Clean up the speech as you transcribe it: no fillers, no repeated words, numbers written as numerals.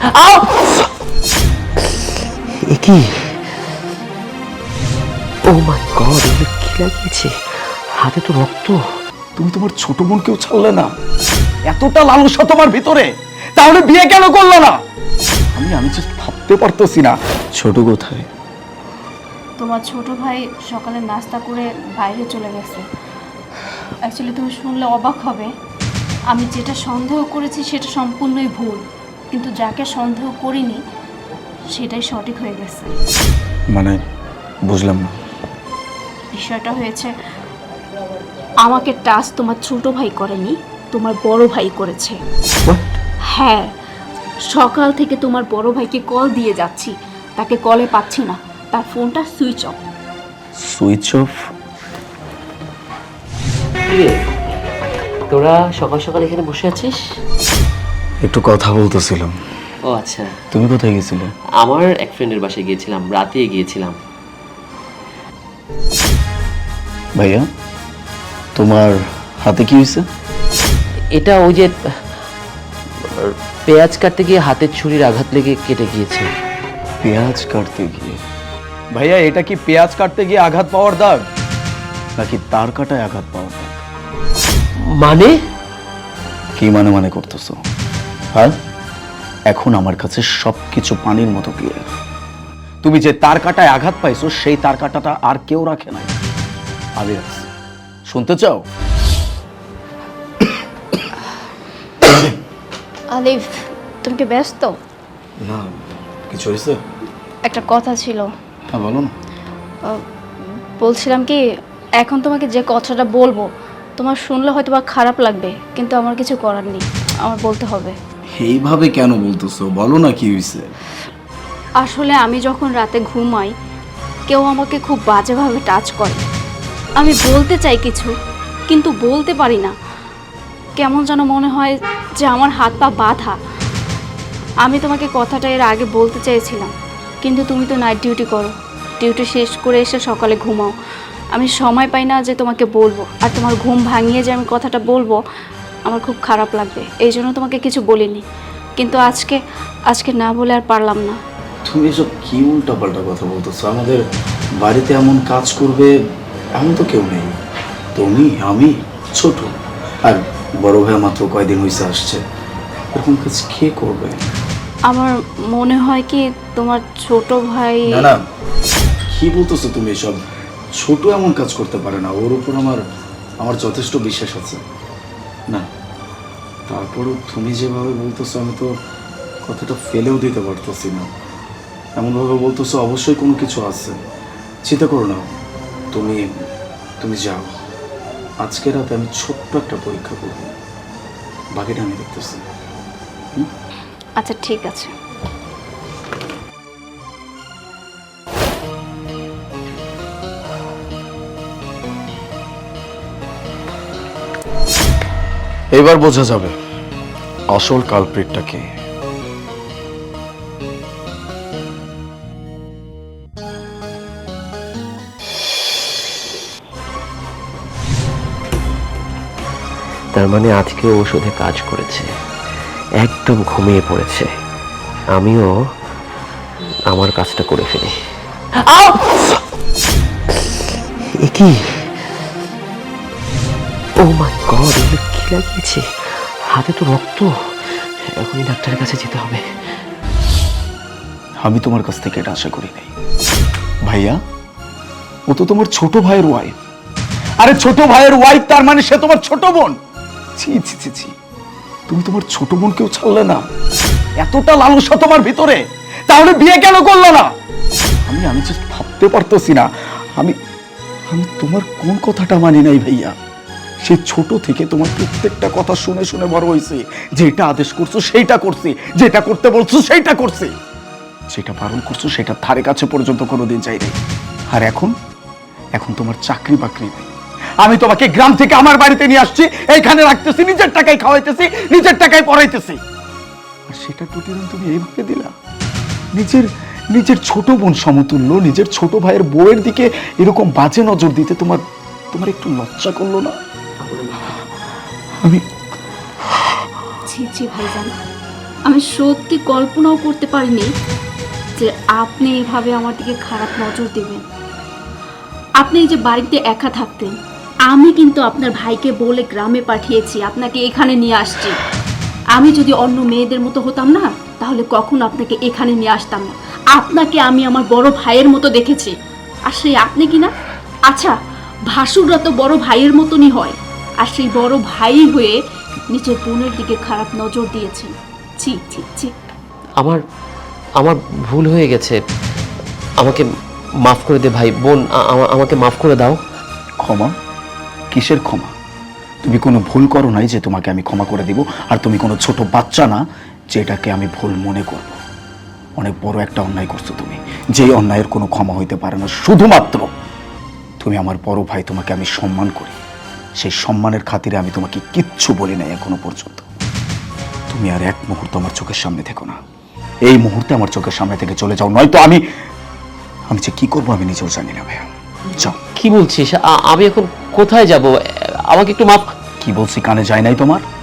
কি? ও মাই গড, এগুলো কি লাগিয়েছে? হাতে তো রক্ত। তুমি তোমার ছোট বোনকেও ছাড়লে না, এতটা লালসা তোমার ভিতরে, তাহলে বিয়ে কেন করলো না? আমি জাস্ট ভাবতে পারতেছি না। ছোট কোথায়? তোমার ছোট ভাই সকালে নাস্তা করে বাইরে চলে গেছে। অ্যাকচুয়ালি তুমি শুনলে অবাক হবে, আমি যেটা সন্দেহ করেছি সেটা সম্পূর্ণই ভুল, কিন্তু যাকে সন্দেহ করিনি সেটাই সঠিক হয়ে গেছে। মানে বুঝলাম না। বিষয়টা হয়েছে, আমাকে টাচ তোমার ছোট ভাই করেনি, তোমার বড় ভাই করেছে। হ্যাঁ, সকাল থেকে তোমার বড় ভাইকে কল দিয়ে যাচ্ছি, তাকে কলে পাচ্ছি না, তার ফোনটা সুইচ অফ। Switch off? তোরা সকাল সকাল এখানে বসে আছিস? একটু কথা বলতেছিলাম। ও আচ্ছা। তুমি কোথায় গেছিলে? আমার এক ফ্রেন্ডের বাসায় গিয়েছিলাম, রাতে গিয়েছিলাম। ভাইয়া, তোমার হাতে কি হয়েছে? এটা ওই যে পেঁয়াজ কাটতে গিয়ে হাতের ছুরির আঘাত লেগে কেটে গিয়েছে। পেঁয়াজ কাটতে গিয়ে? ভাইয়া, এটা কি পেঁয়াজ কাটতে গিয়ে আঘাত পাওয়ার দাগ, নাকি তার কাটায় আঘাত পাওয়ার দাগ? মানে? কি মানে করতেছো? হ্যাঁ, এখন আমার কাছে সবকিছু পানির মতো ক্লিয়ার। তুমি যে তার কাটায় আঘাত পাইছো, সেই তার কাটাটা আর কেউ রাখে নাই, আমি রাখছি। শুনতে চাও? আলিফ, তুমি কি ব্যস্ত? না, কিছু হয়েছে? একটা কথা ছিল। হ্যাঁ বলো না। বলছিলাম কি, এখন তোমাকে যে কথাটা বলবো তোমার শুনলে হয়তো বা খারাপ লাগবে, কিন্তু আমার কিছু করার নেই, আমার বলতে হবে। এইভাবে কেন বলতেছো? বলো না কি হয়েছে। আসলে আমি যখন রাতে ঘুমাই, কেউ আমাকে খুব বাজেভাবে টাচ করে। আমি বলতে চাই কিছু, কিন্তু বলতে পারি না। কেমন যেন মনে হয় যে আমার হাত পা বাঁধা। আমি তোমাকে কথাটা এর আগে বলতে চেয়েছিলাম, কিন্তু তুমি তো নাইট ডিউটি করো, ডিউটি শেষ করে এসে সকালে ঘুমাও। আমি সময় পাই না যে তোমাকে বলবো, আর তোমার ঘুম ভাঙিয়ে যে আমি কথাটা বলবো আমার খুব খারাপ লাগবে, এই জন্য তোমাকে কিছু বলিনি। কিন্তু আজকে না বলে আর পারলাম না। তুমি এসব কি উল্টাপাল্টা কথা বলতেছো? আমাদের বাড়িতে এমন কাজ করবে এমন তো কেউ নেই। তুমি, আমি, ছোট, আর বড় ভাই মাত্র কয়দিন হয়েছে আসছে। এরকম কাজ কে করবে? আমার মনে হয় কি তোমার ছোট ভাই। না না, কি বলতেছো তুমি এসব? ছোট এমন কাজ করতে পারে না, ওর উপর আমার যথেষ্ট বিশ্বাস আছে। না, তারপরও তুমি যেভাবে বলতেছো আমি তো কথাটা ফেলেও দিতে পারতেছি না। এমনভাবে বলতেছো অবশ্যই কোনো কিছু আছে। চিন্তা করো না, তুমি তুমি যাও। আজকে রাতে আমি ছোট্ট একটা পরীক্ষা করব, বাকিটা আমি দেখতেছি। আচ্ছা ঠিক আছে। এবার বোঝা যাবে আসল কালপ্রিটটা কে। তার মানে আজকে ওষুধে কাজ করেছে, একদম ঘুমিয়ে পড়েছে। আমিও আমার কাজটা করে ফেলি। কি? ও মাই গড, এগুলো কি লাগিয়েছে? হাতে তো রক্ত। এখনই ডাক্তারের কাছে যেতে হবে। আমি তোমার কাছ থেকে এটা আশা করি নাই ভাইয়া। ও তো তোমার ছোট ভাইয়ের ওয়াইফ। আরে ছোট ভাইয়ের ওয়াইফ, তার মানে সে তোমার ছোট বোন। ছি ছি ছি ছি, তুমি তোমার ছোট বোনকেও ছাড়লে না, এতটা লালসা তোমার ভিতরে, তাহলে বিয়ে কেন করলো না? আমি জাস্ট ভাবতে পারতেছি না। আমি আমি তোমার কোন কথাটা মানি নাই ভাইয়া। সে ছোট থেকে তোমার প্রত্যেকটা কথা শুনে শুনে বড় হয়েছে। যেটা আদেশ করছো সেইটা করছি, যেটা করতে বলছো সেইটা করছি, যেটা বারণ করছো সেটা ধারে কাছে পর্যন্ত কোনোদিন যাই নাই। আর এখন তোমার চাকরি বাকরি নেই। আমি তোমাকে গ্রাম থেকে আমার বাড়িতে নিয়ে আসছি, এইখানে রাখতেছি, নিজের টাকায় খাওয়াইতেছি, নিজের টাকায় পড়াইতেছি, আর সেটা প্রতিদিন তুমি এইভাবে দিলা। নিজের ছোট বোন সমতুল্য নিজের ছোট ভাইয়ের বউয়ের দিকে এরকম বাজে নজর দিতে তোমার একটু লজ্জা করলো না? আমি ছি ছি ভাইজান, আমি সত্যি কল্পনাও করতে পারিনি যে আপনি এভাবে আমার দিকে খারাপ নজর দেবেন। আপনি এই যে বাড়িতে একা থাকতেন, আমি কিন্তু আপনার ভাইকে বলে গ্রামে পাঠিয়েছি, আপনাকে এখানে নিয়ে আসছি। আমি যদি অন্য মেয়েদের মতো হতাম না, তাহলে কখনো আপনাকে এখানে নিয়ে আসতাম না। আপনাকে আমি আমার বড় ভাইয়ের মতো দেখেছি, আর সেই আপনি কি না? আচ্ছা, ভাসুররা তো বড় ভাইয়ের মতনই হয়, আর সেই বড় ভাই হয়ে নিজের বোনের দিকে খারাপ নজর দিয়েছেন। ছি ছি ছি। আমার আমার ভুল হয়ে গেছে, আমাকে মাফ করে দে ভাই। বোন, আমাকে মাফ করে দাও। ক্ষমা? কিসের ক্ষমা? তুমি কোনো ভুল করো নাই যে তোমাকে আমি ক্ষমা করে দিব, আর তুমি কোনো ছোট বাচ্চা না যেটাকে আমি ভুল মনে করব। অনেক বড় একটা অন্যায় করছো তুমি, যেই অন্যায়ের কোনো ক্ষমা হইতে পারে না। শুধুমাত্র তুমি আমার বড় ভাই, তোমাকে আমি সম্মান করি, সেই সম্মানের খাতিরে আমি তোমাকে কিচ্ছু বলি নাই এখনো পর্যন্ত। তুমি আর এক মুহূর্ত আমার চোখের সামনে থেকো না। এই মুহূর্তে আমার চোখের সামনে থেকে চলে যাও, নয়তো আমি যে কি করবো আমি নিজেও জানি না ভাইয়া। যাও। কি বলছিস? আমি এখন কোথায় যাব? আমাকে একটু মাফ। কি বলছি কানে যায় নাই তোমার?